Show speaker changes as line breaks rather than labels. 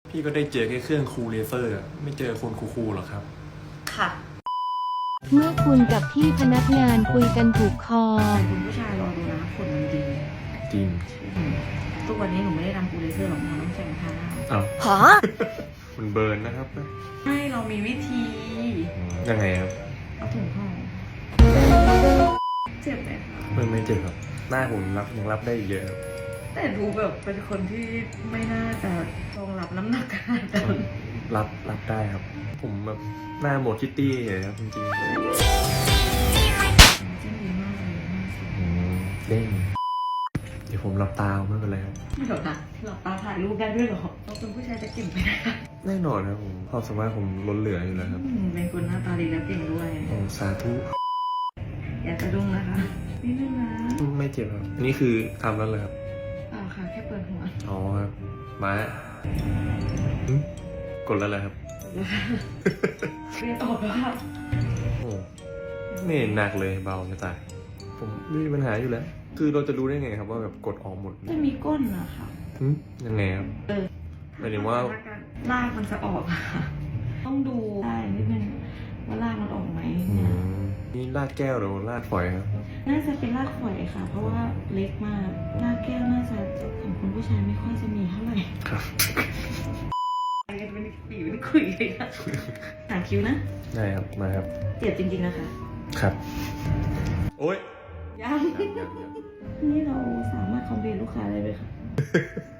พี่ก็ได้เจอแค่เครื่องคูลเลเซอร์ไม่เจอคนคูลๆหรอกครับ
ค่ะ
เมื่อคุณกับพี่พนักงานคุยกันถูกคอ
แต่คุณผู้ชายรอดูนะขนมันดี
จริง
ทุกวันนี้หนูไม่ได้ทำคูลเลเซอร์หรอกนะต้องใช้ผ้า
อ้าว
ฮะ
มันเบิร์นนะครับ
ไม่เรามีวิธี
ยังไงครับ
เอาถุงห่อเจ็บไหมคะ
ไม่เจ็บครับหน้าผมยังรับได้เยอะครับ
แต่ดูแบบเป็นคนที่ไม่น่าจะรองรับน้ำหนักขนาดนั้น
รับได้ครับผมแบบหน้าโมคิตตี้เลยครับจริงๆ
เส้นดีมากเลย
เด้งเดี๋ยวผมหลับตาไม่เป็นไรครับ
ไม่หรอกนะหลับตาถ่ายรูปได้ด้วยหรอเราเป็นผู้ชายจะเก่งไปได้
แน่นอนครับผมความสามารถผมล้นเหลืออยู่แล้วครับ
เป็นคนหน้าตาดีและเก่งด้วย
โอ้สาธุ
อย่าจะดุ้งนะคะนิดนึงนะ
ไม่เจ็บครับอันนี้คือทำแล้วเลยครับ
ค่ะแค่เปิดหัว
อ๋อครับมากดแล้วเลยครับ
เรียกตอบแล้วครับ
โอ้ไม่หนักเลยเบาจะตายผมไม่มีปัญหาอยู่แล้วคือเราจะรู้ได้ไงครับว่าแบบกดออกหมด
จะมีก้นนะคะ
ยังไงครับหมายถึงว่า
ลากมันจะออกค่ะต้องดูได้นิดนึงว่าลากมันออกไหม
นี่ลากแก้วหรือลากฝอยครับ
น่าจะเป็นลากฝอยค่ะเพราะว่าเล็กมากลากแก้วน่าจะของคุณผู้ชายไม่ค่อยจะมีเท่าไหร่
ครับ
เป็นปีเป็นคุยเลยค่ะหาคิ้วนะ
ได้ครับมาครับ
เจ็บจริงๆนะคะ
ครับโอ๊ย
ยังนี่เราสามารถคอมเพลนลูกค้าได้ไหมคะ